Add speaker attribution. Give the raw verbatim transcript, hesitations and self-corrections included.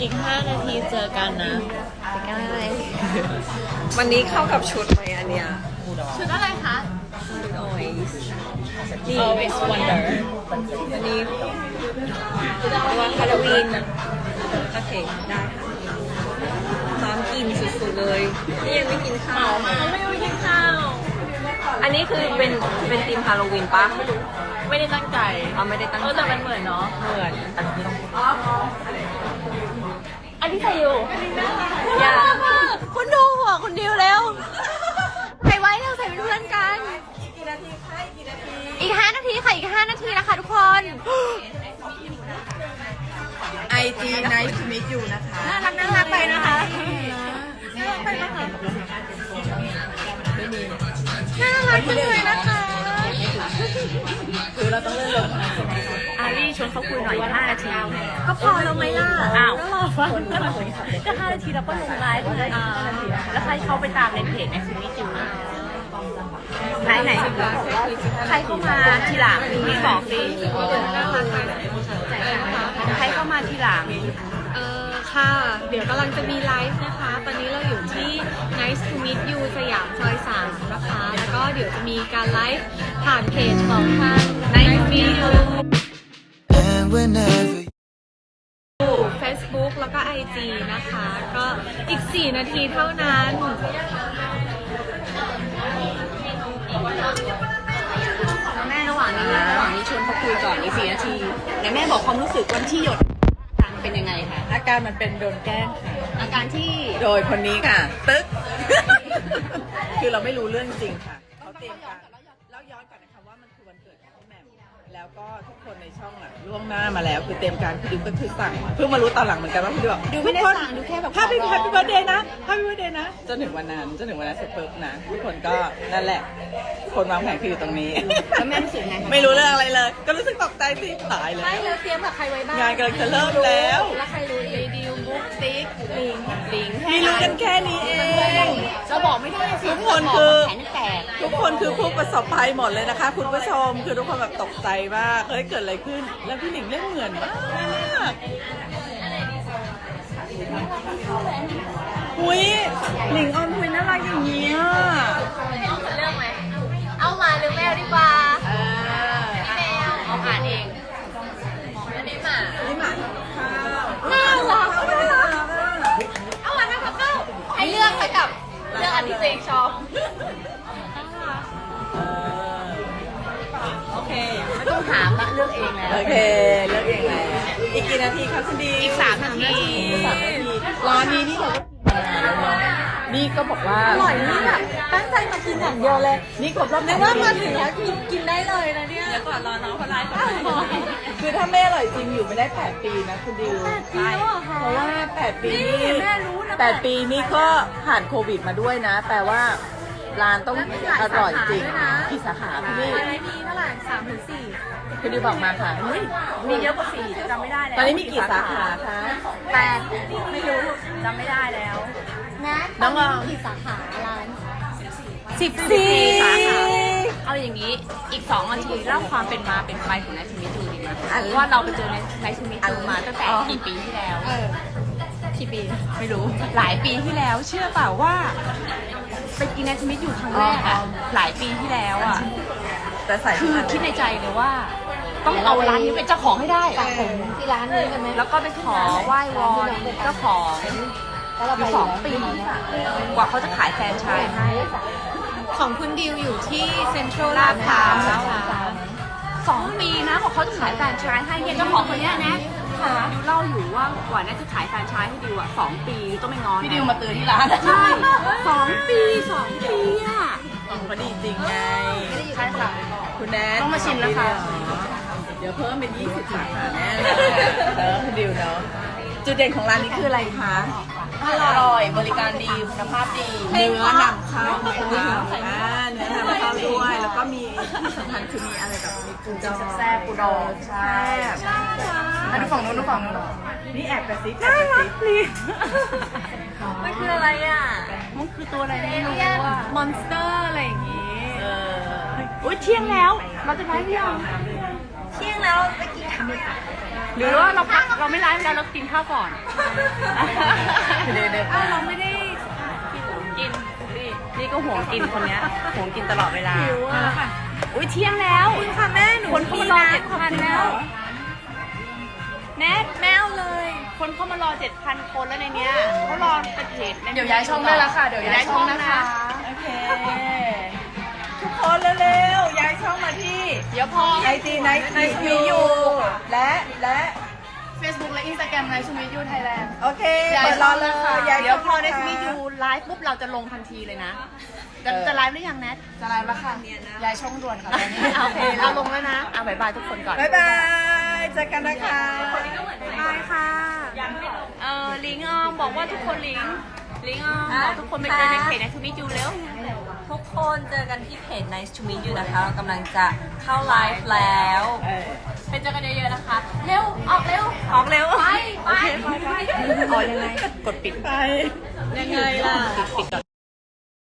Speaker 1: อีกห้านาทีเจอกันนะ
Speaker 2: เจอกันอะไรวันนี้เข้ากับชุดไหมอันเนี้ย
Speaker 1: ชุดอะไรคะ
Speaker 2: ชุด Oasis
Speaker 1: นี่ Always Wonder
Speaker 2: อันนี้วันฮาโลวีนโอเคได้ค่ะพร้อมกินสุดๆเลยนี่ยังไม่กินข้าว
Speaker 1: ไม่ไม่กินข้าว
Speaker 2: อันนี้คือเป็นเป็นธีมฮาโลวีนปะ
Speaker 1: ไม่ได้ตั้งใจ
Speaker 2: อ๋อไม่ได้ตั้งใจ
Speaker 1: แต่มันเหมือนเนาะ
Speaker 2: เหมือน
Speaker 1: อันที่ใส่อยู่
Speaker 2: อย่า
Speaker 1: คุณดูหัวคุณดิวเร็วใส่ไว้เร็วใส่เป็นเพื่อนกัน
Speaker 2: กี่นาทีคะกี่นาที
Speaker 1: อีกห้านาทีค่ะอีกห้านาทีนะคะทุกคน
Speaker 2: ไอ จี Nice to meet you นะคะ
Speaker 1: น่ารักน่ารักไปนะคะน่ารักไปนะคะ
Speaker 2: ไม่มี
Speaker 1: น่ารักจังเลยนะคะ
Speaker 2: คือเราต้องเลื่อนลง
Speaker 1: อารี่ชวนเขาคุยหน่อยห้านาทีก็พอแล้วไหมล่ะอ้าวก็รอฟังก็ห้านาทีแล้วก็ลงไลฟ์เลยแล้วใครเขาไปตามในเพจในซีรีส์จูไหนไหนใครเข้ามาทีหลังพี่บอกสิใครเข้ามาทีหลัง
Speaker 3: เออค่ะเดี๋ยวกำลังจะมีไลฟ์นะคะตอนนี้เราอยู่ที่ Nice to meet you สยามซอยสามนะคะแล้วก็เดี๋ยวจะมีการไลฟ์ผ่านเพจของทาง Nice to meet you Facebook แล้วก็ ไอ จี นะคะก็อีกสี่นาทีเท่านั้น
Speaker 1: แม่ระหว่างนี้ระหว่างนี้ชวนเขาคุยก่อนอีกสี่นาทีเดี๋ยวแม่บอกความรู้สึกวันที่หยดเป็นยังไงคะ
Speaker 2: อาการมันเป็นโดนแกล้งค่ะ
Speaker 1: อาการที่
Speaker 2: โดยคนนี้ค่ะตึ๊กคือเราไม่รู้เรื่องจริงค่ะเขาเตรียมการเล่าย้อนก่อนนะคะว่ามันคือวันเกิดของพี่แหม่มแล้วก็ทุกคนในช่องอ่ะล่วงหน้ามาแล้วคือเตรียมการคือดิวก็คือสั่งเพิ่งมารู้ตอนหลังเหมือนกันว่าคือดิวบอก
Speaker 1: ดิวไม่ได้สั่งดิวแค่แบบ
Speaker 2: Happy Happy Birthday นะ Happy Birthday นะจนถึงวันนั้นจนถึงวันนั้นเสร็จปุ๊บนะทุกคนก็นั่นแหละคนวางแผนคืออยู่ตรงนี้
Speaker 1: แล้วแม่รู้สึกไง
Speaker 2: ไม่รู้เรื่องอะไรเลยก็รู้สึกตกใจสิตายเลย
Speaker 3: ไม่แล้วเตรียมกับใครไว้บ้าง
Speaker 2: งานกำลังจะเริ่มแล้ว
Speaker 3: แล้วใครรู้อีก
Speaker 1: ดิวบุ๊กติ๊กลิงลิง
Speaker 2: มีรู้กันแค่นี้เอง
Speaker 1: จะบอกไม่ได้
Speaker 2: ทุกคนคือ
Speaker 1: แขนแตก
Speaker 2: ทุกคนคือผู้ประสบภัยหมดเลยนะคะคุณผู้ชมคือทุกคนแบบตกใจมากเฮ้ยเกิดอะไรขึ้นแล้วพี่หนิงเล่นเหมือนมากอุ้ยหนิงออนคุยน่ารักอย่างนี้อ่ะ
Speaker 1: เลือกไหมเอามาหรือแมวดีกว่า
Speaker 2: พี่
Speaker 1: แมวเอาอ่านเองอันนี้หมา
Speaker 2: นี่หมา
Speaker 1: น่ารักเอามาทำกับข้าวให้เลือกไปกับเลือกอันที่ตัวเองชอบ
Speaker 2: โอเค
Speaker 1: ไม่ต้องถามละเลือกเองแล้ว
Speaker 2: โอเคเลือกเองแล้วอีกกี่นาทีคะคุณดี
Speaker 1: อีกสามนาที
Speaker 2: สามนาทีร้านนี้นี่เรานี่ก็บอกว่า
Speaker 3: อร่อยนี่แบบตั้งใจมากินอย่างเดียวเลย
Speaker 2: นี่ครบรอบ
Speaker 3: นึกว่ามาถึงแล้วกินกินได้เลยนะเนี่ย
Speaker 1: แล้วก่อนรอน้องเขาไลฟ์ก่อน
Speaker 2: คือถ้าไม่อร่อยจริงอยู่ไม่ได้แปดปีนะคุณดิว
Speaker 3: แปดปีแล้วเหรอคะ
Speaker 2: เพราะว่าแปดปี
Speaker 3: นี่แม่รู้นะ
Speaker 2: แปดปีนี่ก็ผ่านโควิดมาด้วยนะแปลว่าร้านต้องอร่อยจริงกี่สาขาพี่นี่
Speaker 3: อะไรมีเท่าไหร่สามถึงสี่
Speaker 2: คุณดิวบอกมาค่ะ
Speaker 1: มีเยอะกว่าสี่จำไม่ได้แล้ว
Speaker 2: ตอนนี้มีกี่สาขาคะ
Speaker 1: แปดไม่รู้จำไม่ได้แล้ว
Speaker 3: นะ
Speaker 2: น้องๆ
Speaker 3: กี่สาขาร้าน
Speaker 1: สิบสี่สาขาเอาอย่างนี้อีกสองนาทีเล่าความเป็นมาเป็นไปของนายชูมิจูดีไหมว่าเราไปเจอในนายชูมิจูมาตั้งแต่กี่ปีที่แล้ว
Speaker 3: กี่ปี
Speaker 1: ไม่รู้หลายปีที่แล้วเชื่อเปล่าว่าไปกินนายชูมิจูครั้งแรกอะหลายปีที่แล้วอะ
Speaker 2: แต่ใส่
Speaker 1: คือคิดในใจเลยว่าต้องเอาร้านนี้เป็นเจ้าของให้ได้
Speaker 3: ที่ร้านนี้กันไหม
Speaker 1: แล้วก็ไปขอไหว้วอนเจ้าของอยู่สองปีกว่าเขาจะขายแฟรนไชส์ให้
Speaker 3: ของคุณดิวอยู่ที่เซ็นทรัล
Speaker 1: ลาดพร้าว
Speaker 3: นะคะ
Speaker 1: สองปีนะกว่าเขาจะขายแฟรนไชส์ให้เนี่ยเจ้าของคนนี้นะดิวเล่าอยู่ว่ากว่าน่าจะขายแฟรนไชส์ให้ดิวอ่ะสองปีต้องไม่งอน
Speaker 2: พี่ดิวมาเตือนที่ร้าน
Speaker 1: ใช่สองปีสองปีอ่ะ
Speaker 2: เขาดีจริงไง
Speaker 1: ใช่ค่ะ
Speaker 2: คุณแนท
Speaker 1: ต้องมาชิมนะคะ
Speaker 2: เดี๋ยวเพิ่มเป็นยี่สิบสาขาแน่เลยเออคุณดิวเนาะจุดเด่นของร้านนี้คืออะไรคะ
Speaker 1: อร่อยบริการดีคุณภาพดี
Speaker 2: เนื้อนำเข้านะคะอ่าเนื้อนำเข้าด้วยแล้วก็มีที่สำคัญคือมีอะไรแบบมีปูดอง
Speaker 1: แซ่บปูดอง
Speaker 2: ใช่
Speaker 1: มาดูฝั่งนู้นดูฝั่งนู้น
Speaker 2: นี่แอบกระซิบแอบกระซิบ
Speaker 1: นี่มันคืออะไรอ่ะมันคือตัวอะไรไม่รู้อ่ะ
Speaker 3: มอนสเตอร์อะไรอย่างงี้
Speaker 2: เออ
Speaker 1: อุ้ยเที่ยงแล้วเราจะไปพี่ยัง
Speaker 3: เที่ยงแล้วไปกินข้าว
Speaker 1: หรือว่าเราพักเราไม่ไลฟ์แล้วเรากินข้าวก่อนเดี๋ยวเดี๋ยว
Speaker 3: เราไม่ได้
Speaker 1: กินนี่นี่ก็ห่วงกินคนเนี้ยห่วงกินตลอดเวลา
Speaker 3: หิวอ่ะ
Speaker 1: อุ้ยเที่ยงแล้ว
Speaker 3: คุณค่ะแม่หนู
Speaker 1: คนเข้ามารอเจ็ดพันแล้วแนท
Speaker 3: แมวเลย
Speaker 1: คนเข้ามารอเจ็ดพันคนแล้วในเนี้ยเขารอเป็นเพจ
Speaker 4: เดี๋ยวย้ายช่องได้แล้วค่ะ เดี๋ยวย้ายช่องนะคะ
Speaker 2: โอเค ทุกคนเร็วๆย้ายช่องมาที่
Speaker 1: เดี๋ยวพอ
Speaker 2: ไอจีไนท์มีอยู่และและ
Speaker 4: Facebook และ Instagram ไนท์ชูมิยูไทยแลนด์
Speaker 2: โอเค
Speaker 4: ย้าย
Speaker 2: เปิด
Speaker 4: ช่
Speaker 2: ร
Speaker 4: อ
Speaker 2: อง เล
Speaker 4: แล้
Speaker 2: ยว
Speaker 4: ค่ะ
Speaker 2: ย้าย
Speaker 1: เดี๋ยวพอ
Speaker 2: ช่ง
Speaker 1: เนส
Speaker 2: นะคะ
Speaker 1: มียูไลฟ์ปุ๊บเราจะลงทันทีเลยนะ จะ
Speaker 2: เออ
Speaker 1: จะไลฟ์หรือยังแนท
Speaker 4: จะไลฟ์แล้วค่ะย้ายช่องด่วนค่ะตอนนี้
Speaker 1: โอเคเราลงแล้วนะอ่ะบายบายทุกคนก่อน
Speaker 2: บ๊ายบายเจอกันนะคะ
Speaker 3: บายค่ะ
Speaker 1: เออลิงออมบอกว่าทุกคนลิงลิงออมบอกทุกคนไปเจอในเพจในทูมิจูเร็ว
Speaker 5: ทุกคนเจอกันที่เพจ Nice to meet you นะคะเรากำลังจะเข้าไลฟ์แล้ว
Speaker 2: เออ
Speaker 5: ไปเจอกันเยอะๆนะคะ เร็ว ออกเร็ว ออกเร็ว ไป ไป
Speaker 1: อ๋อยังไงกดปิด
Speaker 2: ไป
Speaker 3: ยังไงล่ะ